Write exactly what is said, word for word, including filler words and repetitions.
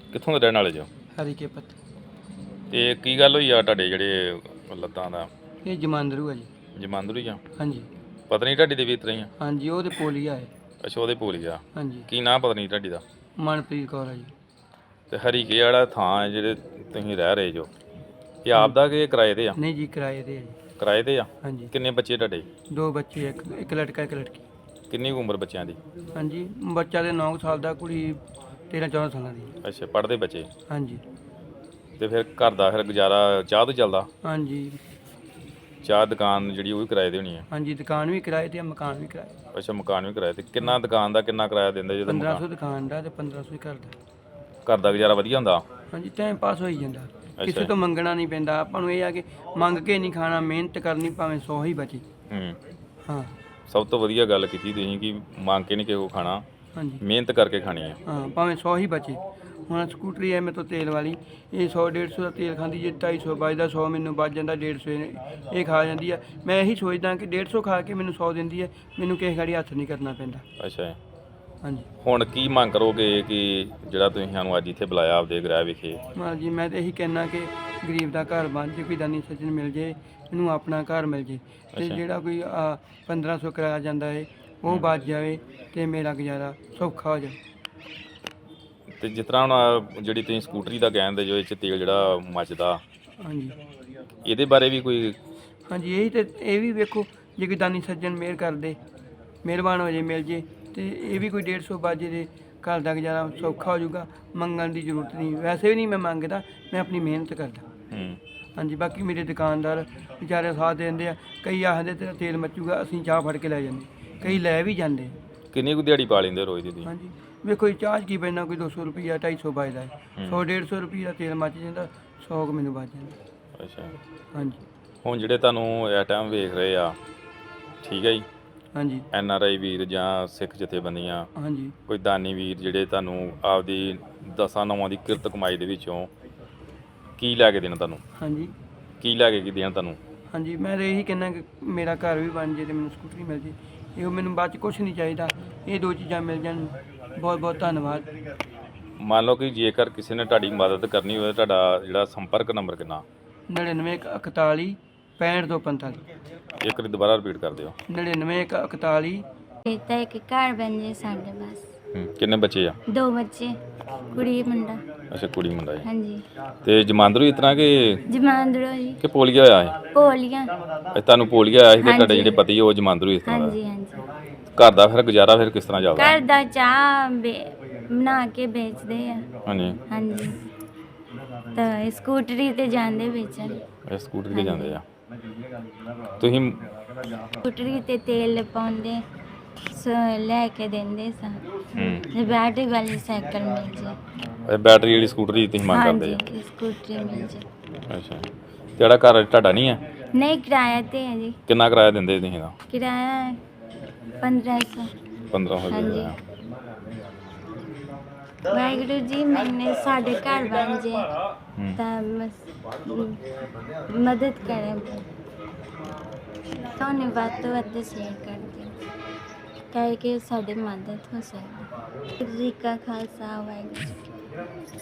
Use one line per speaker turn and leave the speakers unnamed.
ਕਿੱਥੋਂ ਦੇ ਰਹਿਣ ਵਾਲੇ ਜੋ?
ਹਰੀਕੇ ਪੱਤ।
ਤੇ ਕੀ ਗੱਲ ਹੋਈ ਆ ਤੁਹਾਡੇ ਜਿਹੜੇ ਲੱਤਾਂ ਦਾ?
ਇਹ ਜਮਾਂਦਰੂ ਆ ਜੀ।
ਜਮਾਂਦਰੂ ਹੀ ਆ?
ਹਾਂਜੀ
ਪਤਨੀ ਢਾਡੀ ਦੇ ਵੀ ਇਸ ਤਰ੍ਹਾਂ ਹੀ ਆ?
ਹਾਂਜੀ, ਉਹ ਤੇ ਪੋਲੀਆ ਹੈ।
ਅੱਛਾ, ਉਹਦੇ ਭੋਲੀ ਆ।
ਹਾਂਜੀ,
ਕੀ ਨਾਂ ਪਤਨੀ ਢਾਡੀ ਦਾ?
ਮਨਪ੍ਰੀਤ ਕੌਰ ਆ ਜੀ।
ਤੇ ਹਰੀਕੇ ਵਾਲਾ ਥਾਂ ਹੈ ਜਿਹੜੇ ਤੁਸੀਂ ਰਹਿ ਰਹੇ ਜੋ, ਇਹ ਆਪ ਦਾ ਕਿ ਕਿਰਾਏ ਤੇ ਆ?
ਨਹੀਂ ਜੀ, ਕਿਰਾਏ ਤੇ ਆ ਜੀ।
ਕਿਰਾਏ ਤੇ ਆ?
ਹਾਂਜੀ,
ਕਿੰਨੇ ਬੱਚੇ ਤੁਹਾਡੇ?
ਦੋ ਬੱਚੇ, ਇੱਕ ਇੱਕ ਲੜਕਾ ਇੱਕ ਲੜਕੀ।
ਕਿੰਨੀ ਕੁ ਉਮਰ ਬੱਚਿਆਂ ਦੀ?
ਹਾਂਜੀ, ਬੱਚਾ ਦੇ ਨੌ ਸਾਲ ਦਾ, ਕੁੜੀ ਤੇਰ੍ਹਾਂ ਚੌਦਾਂ ਸਾਲਾਂ ਦੀ।
ਅੱਛਾ, ਪੜ੍ਹਦੇ ਬੱਚੇ?
ਹਾਂਜੀ
ਤੇ ਫਿਰ ਘਰ ਦਾ ਫਿਰ ਗੁਜ਼ਾਰਾ ਚਾਹ ਤੋਂ ਚੱਲਦਾ?
ਹਾਂਜੀ
ਚਾਹ ਦੁਕਾਨ ਜਿਹੜੀ ਉਹ ਵੀ ਕਿਰਾਏ ਤੇ ਹੋਣੀ ਆ?
ਹਾਂਜੀ, ਦੁਕਾਨ ਵੀ ਕਿਰਾਏ ਤੇ ਆ, ਮਕਾਨ ਵੀ ਕਿਰਾਏ ਤੇ।
ਅੱਛਾ, ਮਕਾਨ ਵੀ ਕਿਰਾਏ ਤੇ। ਕਿੰਨਾ ਦੁਕਾਨ ਦਾ ਕਿੰਨਾ ਕਿਰਾਇਆ ਦਿੰਦੇ ਜਦੋਂ
ਪੰਦਰਾਂ ਸੌ
ਮਕਾਨ?
ਦੁਕਾਨ ਦਾ ਤੇ ਪੰਦਰਾਂ ਸੌ ਹੀ ਘਰ ਦਾ।
ਘਰ ਦਾ ਗੁਜ਼ਾਰਾ ਵਧੀਆ ਹੁੰਦਾ?
ਹਾਂਜੀ, ਟਾਈਮ ਪਾਸ ਹੋਈ ਜਾਂਦਾ, ਕਿਸੇ
ਅੱਛਾ।
ਤੋਂ ਮੰਗਣਾ ਨਹੀਂ ਪੈਂਦਾ ਆਪਾਂ ਨੂੰ। ਇਹ ਆ ਕਿ ਮੰਗ ਕੇ ਨਹੀਂ ਖਾਣਾ, ਮਿਹਨਤ ਕਰਨੀ, ਭਾਵੇਂ ਸੌ ਹੀ ਬਚੇ।
ਹੂੰ,
ਹਾਂ
ਸਭ ਤੋਂ ਵਧੀਆ ਗੱਲ ਕੀਤੀ ਤੁਸੀਂ ਕਿ ਮੰਗ ਕੇ ਨਹੀਂ ਕਿਸੇ ਕੋਲ ਖਾਣਾ,
ਹਾਂਜੀ
ਮਿਹਨਤ ਕਰਕੇ ਖਾਣੀ ਆ।
ਹਾਂ, ਭਾਵੇਂ ਸੌ ਹੀ ਬਚੇ। ਹੁਣ ਸਕੂਟਰੀ ਹੈ ਮੇਰੇ ਤੋਂ ਤੇਲ ਵਾਲੀ, ਇਹ ਸੌ ਡੇਢ ਸੌ ਦਾ ਤੇਲ ਖਾਂਦੀ, ਜੇ ਢਾਈ ਸੌ ਬਚਦਾ, ਸੌ ਮੈਨੂੰ ਬਚ ਜਾਂਦਾ, ਡੇਢ ਸੌ ਇਹ ਇਹ ਖਾ ਜਾਂਦੀ ਹੈ। ਮੈਂ ਇਹੀ ਸੋਚਦਾ ਕਿ ਡੇਢ ਸੌ ਖਾ ਕੇ ਮੈਨੂੰ ਸੌ ਦਿੰਦੀ ਹੈ, ਮੈਨੂੰ ਕਿਸੇ ਗਾੜੀ ਹੱਥ ਨਹੀਂ ਕਰਨਾ ਪੈਂਦਾ।
ਅੱਛਾ,
ਹਾਂਜੀ
ਹੁਣ ਕੀ ਮੰਗ ਕਰੋਗੇ ਕਿ ਜਿਹੜਾ ਤੁਸੀਂ ਸਾਨੂੰ ਅੱਜ ਇੱਥੇ ਬੁਲਾਇਆ ਆਪਦੇ ਗ੍ਰਹਿ ਵਿਖੇ?
ਹਾਂਜੀ, ਮੈਂ ਤਾਂ ਇਹੀ ਕਹਿਣਾ ਕਿ ਗਰੀਬ ਦਾ ਘਰ ਬਣ ਜੇ, ਕੋਈ ਦਾਨੀ ਸੱਜਣ ਮਿਲ ਜੇ, ਇਹਨੂੰ ਆਪਣਾ ਘਰ ਮਿਲ ਜੇ, ਅਤੇ
ਅੱਛਾ।
ਜਿਹੜਾ ਕੋਈ ਪੰਦਰਾਂ ਸੌ ਕਿਰਾਇਆ ਜਾਂਦਾ ਹੈ ਉਹ ਬਚ ਜਾਵੇ, ਅਤੇ ਮੇਰਾ ਗੁਜ਼ਾਰਾ ਸੌਖਾ ਹੋ ਜਾਵੇ।
ਤੇ ਜਿਸ ਤਰ੍ਹਾਂ ਹੁਣ ਆਹ ਜਿਹੜੀ ਤੁਸੀਂ ਸਕੂਟਰੀ ਦਾ ਕਹਿੰਦੇ ਜੋ ਇਹ 'ਚ ਤੇਲ ਜਿਹੜਾ ਮੱਚਦਾ,
ਹਾਂਜੀ
ਇਹਦੇ ਬਾਰੇ ਵੀ ਕੋਈ?
ਹਾਂਜੀ, ਇਹੀ ਤੇ ਇਹ ਵੀ ਵੇਖੋ, ਜੇ ਕੋਈ ਦਾਨੀ ਸੱਜਣ ਮਿਹਰ ਕਰਦੇ, ਮਿਹਰਬਾਨ ਹੋ ਜੇ, ਮਿਲ ਜੇ, ਤੇ ਇਹ ਵੀ ਕੋਈ ਡੇਢ ਸੌ ਬਾਜੇ ਦੇ ਘਰ ਦਾ ਗੁਜ਼ਾਰਾ ਸੌਖਾ ਹੋ ਜਾਊਗਾ। ਮੰਗਣ ਦੀ ਜ਼ਰੂਰਤ ਨਹੀਂ, ਵੈਸੇ ਵੀ ਨਹੀਂ ਮੈਂ ਮੰਗਦਾ, ਮੈਂ ਆਪਣੀ ਮਿਹਨਤ ਕਰਦਾ।
ਹੂੰ,
ਹਾਂਜੀ, ਬਾਕੀ ਮੇਰੇ ਦੁਕਾਨਦਾਰ ਵਿਚਾਰੇ ਸਾਥ ਦਿੰਦੇ ਆ। ਕਈ ਆਖਦੇ ਤੇਰਾ ਤੇਲ ਮੱਚੂਗਾ, ਅਸੀਂ ਚਾਹ ਫੜ ਕੇ ਲੈ ਜਾਂਦੇ, ਕਈ ਲੈ ਵੀ ਜਾਂਦੇ।
ਕਿੰਨੀ ਕੁ ਦਿਹਾੜੀ ਪਾ ਲੈਂਦੇ ਰੋਜ਼ ਦੀ ਤੁਸੀਂ?
ਹਾਂਜੀ, ਵੇਖੋ ਜੀ, ਚਾਹ 'ਚ ਕੀ ਪੈਣਾ, ਕੋਈ ਦੋ ਸੌ ਰੁਪਈਆ ਢਾਈ ਸੌ ਬਚਦਾ ਹੈ, ਸੌ ਡੇਢ ਸੌ ਰੁਪਈਆ ਤੇਲ ਮੱਚ ਜਾਂਦਾ, ਸੌ ਕੁ ਮੈਨੂੰ ਬਚ ਜਾਂਦਾ।
ਅੱਛਾ,
ਹਾਂਜੀ
ਹੁਣ ਜਿਹੜੇ ਤੁਹਾਨੂੰ ਇਸ ਟਾਈਮ ਵੇਖ ਰਹੇ ਆ, ਠੀਕ ਹੈ ਜੀ,
ਹਾਂਜੀ
ਐਨ ਆਰ ਆਈ ਵੀਰ ਜਾਂ ਸਿੱਖ ਜਥੇਬੰਦੀਆਂ,
ਹਾਂਜੀ
ਕੋਈ ਦਾਨੀ ਵੀਰ ਜਿਹੜੇ ਤੁਹਾਨੂੰ ਆਪਦੀ ਦਸਾਂ ਨੌਵਾਂ ਦੀ ਕਿਰਤ ਕਮਾਈ ਦੇ ਵਿੱਚੋਂ ਕੀ ਲੈ ਕੇ ਦੇਣ ਤੁਹਾਨੂੰ?
ਹਾਂਜੀ
ਕੀ ਲੈ ਕੇ ਕੀ ਦੇਣ ਤੁਹਾਨੂੰ?
ਹਾਂਜੀ, ਮੈਂ ਤਾਂ ਇਹੀ ਕਹਿੰਦਾ ਕਿ ਮੇਰਾ ਘਰ ਵੀ ਬਣ ਜੇ ਅਤੇ ਮੈਨੂੰ ਸਕੂਟਰੀ ਮਿਲ ਜੇ, ਇਹੋ ਮੈਨੂੰ ਬਾਅਦ 'ਚ ਕੁਛ ਨਹੀਂ ਚਾਹੀਦਾ, ਇਹ ਦੋ ਚੀਜ਼ਾਂ ਮਿਲ ਜਾਣ, ਬਹੁਤ ਬਹੁਤ ਧੰਨਵਾਦ।
ਮੰਨ ਲਓ ਕਿ ਜੇਕਰ ਕਿਸੇ ਨੇ ਤੁਹਾਡੀ ਮਦਦ ਕਰਨੀ ਹੋਵੇ, ਤੁਹਾਡਾ ਜਿਹੜਾ ਸੰਪਰਕ ਨੰਬਰ ਕਿੰਨਾ?
ਨੜਿਨਵੇਂ ਇੱਕ ਇਕਤਾਲੀ ਪੈਂਹਠ ਦੋ ਪੰਤਾਲੀ।
ਇੱਕ ਵਾਰੀ ਦੁਬਾਰਾ ਰਿਪੀਟ ਕਰ ਦਿਓ।
ਨੜਿਨਵੇਂ ਇੱਕ ਇਕਤਾਲੀ।
ਤਾਂ ਇੱਕ ਘਰ ਬਣ ਜੇ ਸਾਡੇ ਬਸ।
ਹੂੰ, ਕਿੰਨੇ ਬੱਚੇ ਆ?
ਦੋ ਬੱਚੇ, ਕੁੜੀ ਮੁੰਡਾ।
ਅੱਛਾ, ਕੁੜੀ ਮੁੰਡਾ ਹੈ।
ਹਾਂਜੀ,
ਤੇ ਜਮਾਂਦਰੂ ਇਸ ਤਰ੍ਹਾਂ ਕਿ
ਜਮਾਂਦਰੂ ਜੀ।
ਕਿ ਪੋਲੀਆ ਹੋਇਆ ਹੈ?
ਪੋਲੀਆਂ।
ਇਹ ਤੁਹਾਨੂੰ ਪੋਲੀਆ ਆਇਆ ਸੀ ਤੇ ਤੁਹਾਡੇ
ਹਾਂਜੀ।
ਜਿਹੜੇ ਪਤੀ ਉਹ ਜਮਾਂਦਰੂ ਇਸ ਤਰ੍ਹਾਂ ਦਾ?
ਹਾਂਜੀ ਹਾਂਜੀ।
ਘਰ ਦਾ ਫਿਰ ਗੁਜ਼ਾਰਾ ਫਿਰ ਕਿਸ ਤਰ੍ਹਾਂ ਚੱਲਦਾ?
ਘਰ ਦਾ ਚਾਹ ਵੇ- ਬਣਾ ਕੇ ਵੇਚਦੇ ਆ।
ਹਾਂਜੀ,
ਹਾਂਜੀ, ਤਾਂ ਇਹ ਸਕੂਟਰੀ ਤੇ ਜਾਂਦੇ ਵੇਚਣ।
ਇਹ ਸਕੂਟਰ ਤੇ ਜਾਂਦੇ ਆ ਤੁਸੀਂ?
ਸਕੂਟਰੀ ਤੇ ਤੇਲ ਪਾਉਂਦੇ, ਸ- ਲੈ ਕੇ ਦਿੰਦੇ ਸਾਂ,
ਹੂੰ,
ਤੇ ਬੈਟਰੀ ਵਾਲੀ ਸਾਈਕਲ ਮਿਲ ਜੇ।
ਇਹ ਬੈਟਰੀ ਵਾਲੀ ਸਕੂਟਰੀ ਤੁਸੀਂ ਮੰਗ ਕਰਦੇ ਆ?
ਹਾਂਜੀ, ਸਕੂਟਰੀ ਮਿਲ ਜੇ।
ਅੱਛਾ, ਜਿਹੜਾ ਘਰ ਤੁਹਾਡਾ ਨਹੀਂ ਹੈ?
ਨਹੀਂ, ਕਿਰਾਇਆ ਤੇ ਹੈ ਜੀ।
ਕਿੰਨਾ ਕਿਰਾਇਆ ਦਿੰਦੇ ਤੁਸੀਂ ਇਹਦਾ?
ਕਿਰਾਇਆ ਪੰਦਰਾਂ ਸੌ।
ਪੰਦਰਾਂ ਸੌ
ਹਾਂਜੀ।
ਰੁਪਏ।
ਵਾਹਿਗੁਰੂ ਜੀ, ਮੈਨੇ ਸਾਡੇ ਘਰ ਬਣ ਜੇ
ਹੂੰ,
ਤਾਂ ਬਸ ਮਦਦ ਕਰੇ, ਤੁਹਾਨੂੰ ਵੱਧ ਤੋਂ ਵੱਧ ਸ਼ੇਅਰ ਕਰ ਦਿਓ, ਤਾਂ ਕਿ ਸਾਡੀ ਮਦਦ ਹੋ ਸਕੇ। ਜੀ ਕਾ ਖਾਲਸਾ, ਵਾਹਿਗੁਰੂ ਜੀ ਕੀ ਫਤਿਹ।